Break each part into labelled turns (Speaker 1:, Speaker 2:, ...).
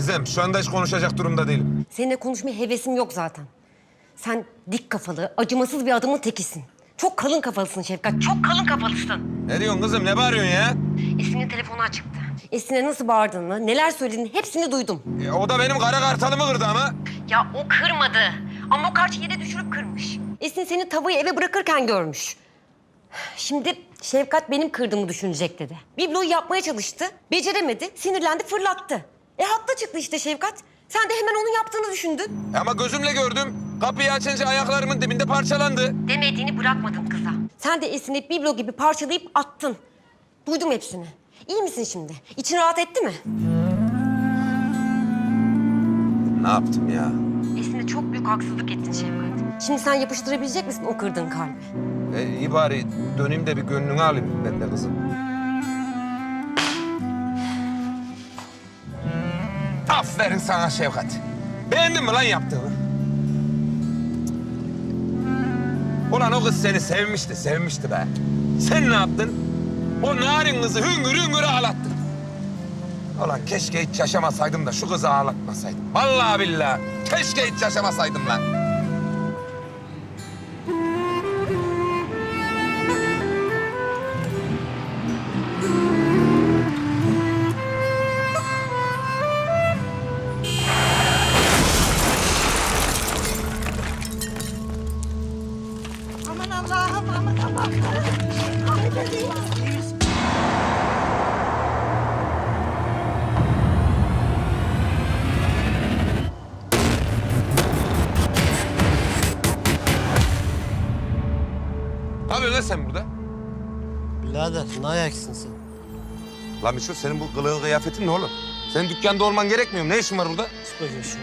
Speaker 1: Gizem, şu anda hiç konuşacak durumda değilim.
Speaker 2: Seninle konuşmaya hevesim yok zaten. Sen dik kafalı, acımasız bir adamın tekisin. Çok kalın kafalısın Şefkat, çok kalın kafalısın.
Speaker 1: Ne diyorsun kızım, ne bağırıyorsun ya?
Speaker 2: Esin'in telefonu açıktı. Esin'e nasıl bağırdığını, neler söylediğini hepsini duydum.
Speaker 1: O da benim kara kartalımı kırdı ama.
Speaker 2: Ya o kırmadı. Ama o karşı yere düşürüp kırmış. Esin seni tavayı eve bırakırken görmüş. Şimdi Şefkat benim kırdığımı düşünecek dedi. Bibloyu yapmaya çalıştı, beceremedi, sinirlendi, fırlattı. Haklı çıktı işte Şefkat. Sen de hemen onun yaptığını düşündün.
Speaker 1: Ama gözümle gördüm. Kapıyı açınca ayaklarımın dibinde parçalandı.
Speaker 2: Demediğini bırakmadın kıza. Sen de Esin'i biblo gibi parçalayıp attın. Duydum hepsini. İyi misin şimdi? İçin rahat etti mi?
Speaker 1: Ne yaptım ya?
Speaker 2: Esin'e çok büyük haksızlık ettin Şefkat. Şimdi sen yapıştırabilecek misin o kırdığın kalbi?
Speaker 1: İyi bari döneyim de bir gönlünü alayım ben de kızım. Aferin sana Şefkat. Beğendin mi lan yaptığını? Ulan o kız seni sevmişti be. Sen ne yaptın? O narin kızı hüngür hüngür ağlattın. Ulan keşke hiç yaşamasaydım da şu kızı ağlatmasaydım. Vallahi billahi keşke hiç yaşamasaydım lan.
Speaker 3: Aman Allah'ım, aman Allah'ım. Ay bebeğim.
Speaker 1: Ne yapıyorsun lan sen burada?
Speaker 4: Birader ne ayaksın sen?
Speaker 1: Lan Mişo senin bu kılığın kıyafetin ne oğlum? Senin dükkanda olman gerekmiyor mu? Ne işin var burada?
Speaker 4: Sıkacağız şu.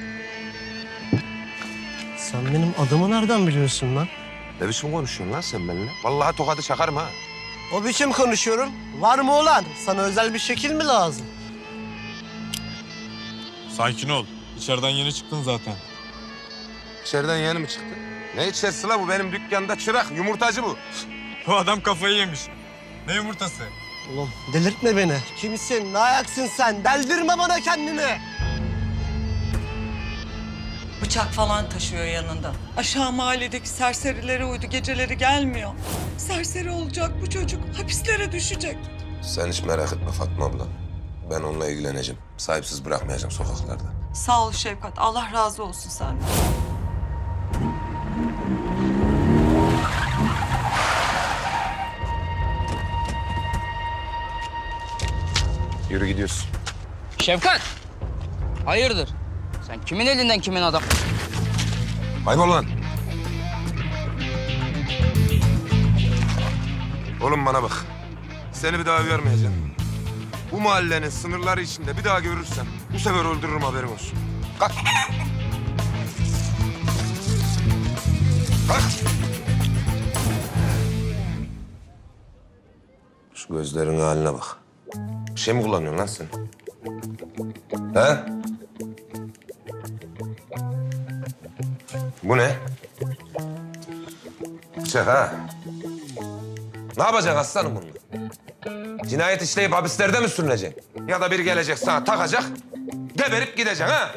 Speaker 4: Sen benim adımı nereden biliyorsun lan?
Speaker 1: Ne biçim konuşuyorsun lan sen benimle? Vallahi tokadı çakarım ha.
Speaker 4: O biçim konuşuyorum. Var mı olan? Sana özel bir şekil mi lazım?
Speaker 5: Sakin ol. İçeriden yeni çıktın zaten.
Speaker 1: İçeriden yeni mi çıktı? Ne içerisi la bu? Benim dükkanda çırak, yumurtacı bu.
Speaker 5: Bu adam kafayı yemiş. Ne yumurtası?
Speaker 4: Oğlum delirtme beni. Kimsin? Ne ayaksın sen? Deldirme bana kendini.
Speaker 3: Bıçak falan taşıyor yanında. Aşağı mahalledeki serserilere uydu, geceleri gelmiyor. Serseri olacak bu çocuk, hapislere düşecek.
Speaker 1: Sen hiç merak etme Fatma abla. Ben onunla ilgileneceğim. Sahipsiz bırakmayacağım sokaklarda.
Speaker 3: Sağ ol Şefkat, Allah razı olsun senden.
Speaker 1: Yürü gidiyorsun.
Speaker 6: Şefkat! Hayırdır? Sen kimin elinden kimin adam?
Speaker 1: Kaybol lan. Oğlum bana bak. Seni bir daha uyarmayacağım. Bu mahallenin sınırları içinde bir daha görürsem bu sefer öldürürüm haberin olsun. Kalk. Kalk. Şu gözlerinin haline bak. Bir şey mi kullanıyorsun lan sen? He? Bu ne? Bıçak ha? Ne yapacaksın aslanım bununla? Cinayet işleyip hapislerde mi sürüneceksin? Ya da biri gelecek sana takacak, geberip gideceksin ha?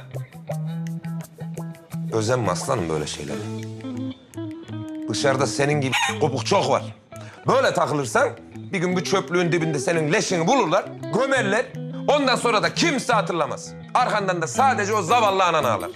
Speaker 1: Özenme aslanım böyle şeylere. Dışarıda senin gibi kopuk çok var. Böyle takılırsan bir gün bu çöplüğün dibinde senin leşini bulurlar, gömerler. Ondan sonra da kimse hatırlamaz. Arkandan da sadece o zavallı anan ağlar.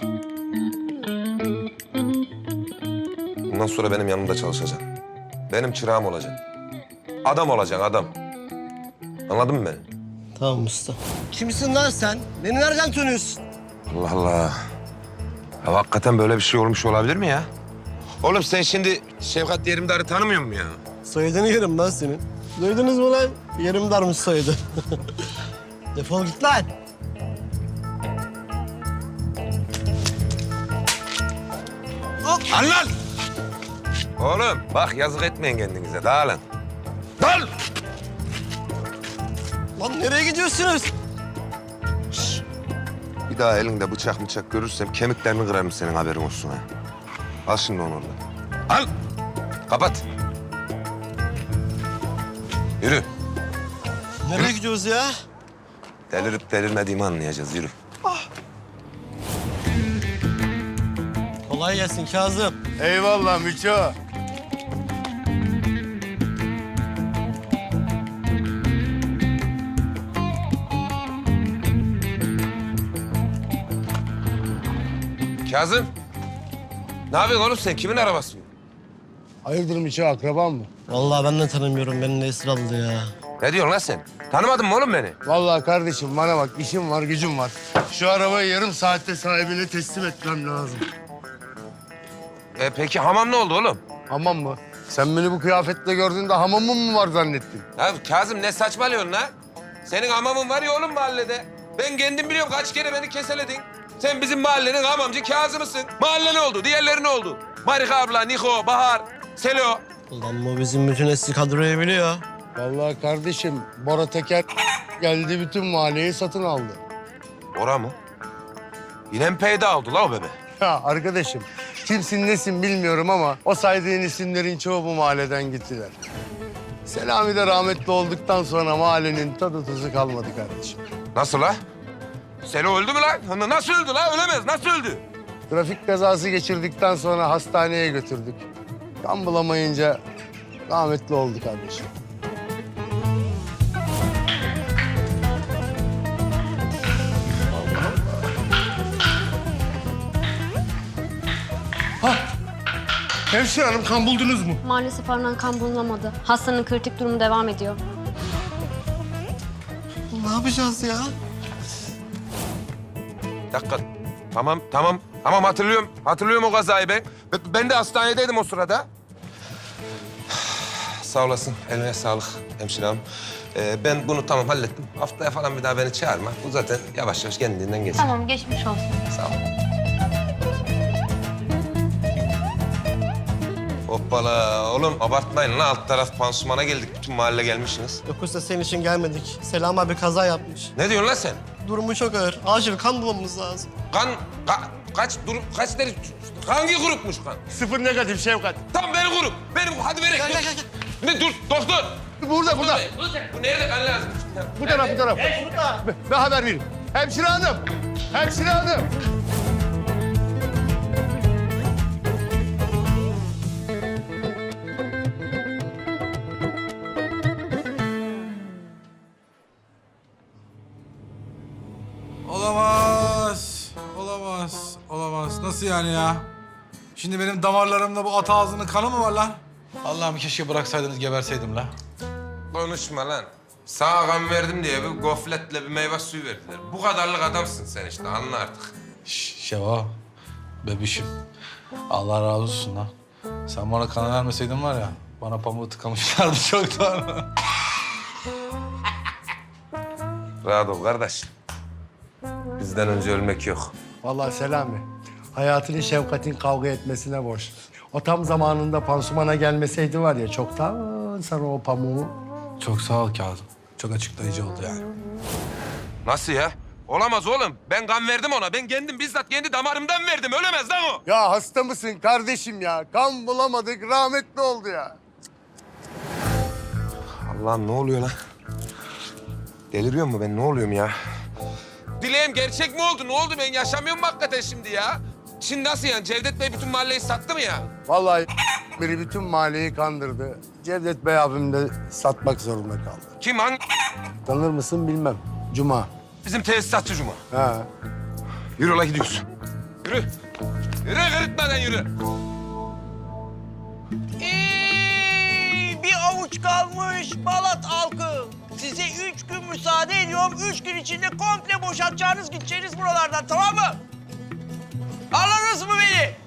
Speaker 1: Bundan sonra benim yanımda çalışacaksın. Benim çırağım olacaksın. Adam olacaksın, adam. Anladın mı beni?
Speaker 4: Tamam usta. Kimsin lan sen? Beni nereden tanıyorsun?
Speaker 1: Allah Allah. Ya hakikaten böyle bir şey olmuş olabilir mi ya? Oğlum sen şimdi Şefkat Yerimdar'ı tanımıyor musun ya?
Speaker 4: Soyadını yerim lan senin. Duydunuz mu lan? Yerim darmış soyadı. Defol git lan.
Speaker 1: Al lan! Oğlum bak yazık etmeyin kendinize. Dağılın. Dağıl!
Speaker 4: Lan nereye gidiyorsunuz?
Speaker 1: Bir daha elinde bıçak görürsem kemiklerini kırarım senin haberin olsun ha. Al şimdi onu oradan. Al! Kapat. Yürü.
Speaker 4: Nereye gidiyoruz ya?
Speaker 1: Delirip delirmediğimi anlayacağız. Yürü.
Speaker 4: Ah. Kolay gelsin Kazım.
Speaker 7: Eyvallah Miço.
Speaker 1: Kazım. Ne yapıyorsun oğlum sen? Kimin arabası bu?
Speaker 7: Hayırdır Miço, akraban mı?
Speaker 4: Vallahi ben de tanımıyorum. Beni de esir aldı ya.
Speaker 1: Ne diyorsun lan sen? Tanımadın mı oğlum beni?
Speaker 7: Vallahi kardeşim bana bak, işim var, gücüm var. Şu arabayı yarım saatte sahibine teslim etmem lazım.
Speaker 1: Peki hamam ne oldu oğlum?
Speaker 7: Hamam mı? Sen beni bu kıyafetle gördüğünde hamamım mı var zannettin?
Speaker 1: Ya Kazım ne saçmalıyorsun lan? Senin hamamın var ya oğlum mahallede. Ben kendim biliyorum kaç kere beni keseledin. Sen bizim mahallenin hamamcı Kazım'ısın. Mahalle ne oldu? Diğerleri ne oldu? Marika abla, Niko, Bahar, Selo.
Speaker 4: Ulan bu bizim bütün eski kadroyu biliyor.
Speaker 7: Vallahi kardeşim, Bora Teker geldi bütün mahalleyi satın aldı.
Speaker 1: Ora mı? Yine mi peyda oldu la o bebe?
Speaker 7: Ya arkadaşım, kimsin nesin bilmiyorum ama o saydığın isimlerin çoğu bu mahalleden gittiler. Selami de rahmetli olduktan sonra mahallenin tadı tuzu kalmadı kardeşim.
Speaker 1: Nasıl la? Selo öldü mü lan? Nasıl öldü la? Ölemez. Nasıl öldü?
Speaker 7: Trafik kazası geçirdikten sonra hastaneye götürdük. Kan bulamayınca rahmetli oldu kardeşim. Hemşire hanım, kan buldunuz mu?
Speaker 8: Maalesef aranan kan bulunamadı. Hastanın kritik durumu devam ediyor.
Speaker 4: Ne yapacağız ya?
Speaker 1: Bir dakika. Tamam hatırlıyorum. Hatırlıyorum o kazayı ben. Ben de hastanedeydim o sırada. Sağ olasın. Eline sağlık hemşire hanım. Ben bunu tamam hallettim. Haftaya falan bir daha beni çağırma. Bu zaten yavaş yavaş kendinden geçer.
Speaker 8: Tamam, geçmiş olsun.
Speaker 1: Sağ ol. Hoppala. Oğlum abartmayın lan. Alt taraf pansumana geldik. Bütün mahalle gelmişsiniz.
Speaker 4: Yoksa senin için gelmedik. Selam abi kaza yapmış.
Speaker 1: Ne diyorsun lan sen?
Speaker 4: Durumu çok ağır. Acil kan bulmamız lazım.
Speaker 1: Kaç deri... Hangi grupmuş kan?
Speaker 7: Sıfır negatif Şevkat.
Speaker 1: Tam benim grup. Hadi verin. Gel. Ne dur doktor.
Speaker 7: Burada.
Speaker 1: Bu nerede kan lazım?
Speaker 7: Bu taraf. Ben haber vereyim. Hemşire hanım.
Speaker 9: Olamaz. Nasıl yani ya? Şimdi benim damarlarımda bu at ağzının kanı mı var lan? Allah'ım keşke bıraksaydınız geberseydim la.
Speaker 1: Konuşma lan. Sağa kan verdim diye bir gofletle bir meyve suyu verdiler. Bu kadarlık adamsın sen işte anla artık.
Speaker 9: Şeva, bebişim. Allah razı olsun lan. Sen bana kan vermeseydin var ya, bana pamuğu tıkamışlardı çoktan.
Speaker 1: Rahat ol kardeş. Bizden önce ölmek yok.
Speaker 7: Vallahi Selami, hayatını Şevkat'in kavga etmesine borçlu. O tam zamanında pansumana gelmeseydi var ya, çoktan sana o pamuğu...
Speaker 9: Çok sağ ol Kazım. Çok açıklayıcı oldu yani.
Speaker 1: Nasıl ya? Olamaz oğlum. Ben kan verdim ona. Ben kendim bizzat kendi damarımdan verdim. Ölemez lan o.
Speaker 7: Ya hasta mısın kardeşim ya? Kan bulamadık, rahmetli oldu ya.
Speaker 1: Allah'ım ne oluyor lan? Deliriyor mu ben? Ne oluyorum ya? Dileğim gerçek mi oldu? Ne oldu? Ben yaşamıyorum mu hakikaten şimdi ya? Şimdi nasıl yani? Cevdet Bey bütün mahalleyi sattı mı ya?
Speaker 7: Vallahi biri bütün mahalleyi kandırdı. Cevdet Bey abim de satmak zorunda kaldı.
Speaker 1: Kim? Hangi?
Speaker 7: Tanır mısın bilmem. Cuma.
Speaker 1: Bizim tesisatçı Cuma.
Speaker 7: Ha.
Speaker 1: Yürü ola gidiyoruz. Yürü. Yürü kırıtmadan yürü.
Speaker 10: Bir avuç kalmış Balat halkı. Size 3 gün müsaade ediyorum. 3 gün içinde komple boşaltacağınız, gideceğiniz buralardan, tamam mı? Anladınız mı beni?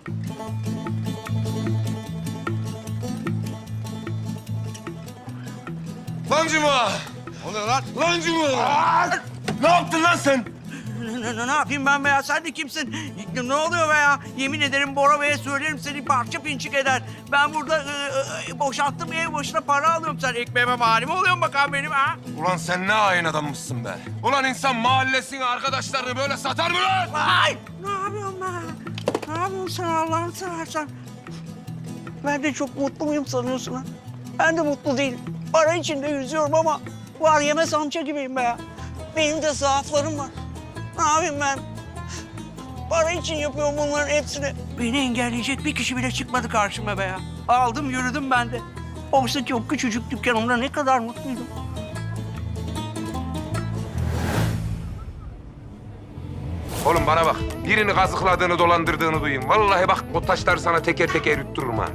Speaker 1: Lan Cuma!
Speaker 10: O ne lan?
Speaker 1: Lan Cuma! Ne yaptın lan sen?
Speaker 10: Ne yapayım ben be ya? Sen de kimsin? Ne oluyor be ya? Yemin ederim Bora Bey'e söylerim, seni parça pinçik eder. Ben burada boşalttım, ev başına para alıyorum. Sen ekmeğime mani mi oluyorsun bakalım benim ha?
Speaker 1: Ulan sen ne hain adammışsın be. Ulan insan mahallesini, arkadaşlarını böyle satar mı lan?
Speaker 10: Ay! Ne yapıyorsun be? Ne yapıyorsun sen Allah'ını seversen? Ben de çok mutlu muyum sanıyorsun ha? Ben de mutlu değilim. Para içinde yüzüyorum ama var yemez amca gibiyim be ya. Benim de zaaflarım var. Ne yapayım ben? Para için yapıyorum bunların hepsini. Beni engelleyecek bir kişi bile çıkmadı karşıma be ya. Aldım yürüdüm ben de. Oysa ki o küçücük dükkanımda ne kadar mutluydum.
Speaker 1: Oğlum bana bak. Birini kazıkladığını, dolandırdığını duyayım. Vallahi bak o taşları sana teker teker yuttururum ha.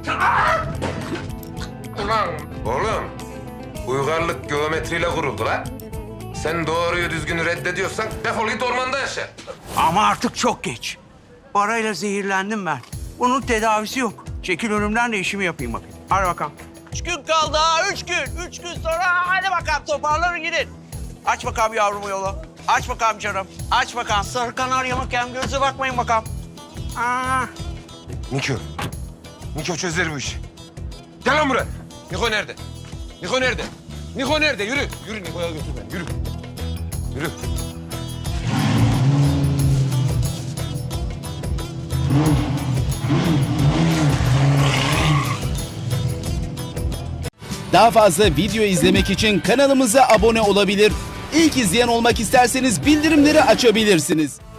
Speaker 1: Ulan oğlum. Uygarlık geometriyle kuruldu lan. Sen doğruyu düzgünü reddediyorsan defol git ormanda yaşa.
Speaker 10: Ama artık çok geç. Parayla zehirlendim ben. Bunun tedavisi yok. Çekil önümden de işimi yapayım bakayım. Hadi bakalım. 3 gün kaldı ha, 3 gün. 3 gün sonra hadi bakalım toparlanın gidin. Aç bakalım yavrumu yolu. Aç bakalım canım. Aç bakalım. Sarı kanarya bakayım. Göze bakmayın bakalım. Aa.
Speaker 1: Niko. Niko çözer bu işi. Gel lan buraya. Niko nerede? Niko nerede? Niko nerede? Yürü. Yürü Niko'ya götür beni. Yürü. Yürü.
Speaker 11: Daha fazla video izlemek için kanalımıza abone olabilir. İlk izleyen olmak isterseniz bildirimleri açabilirsiniz.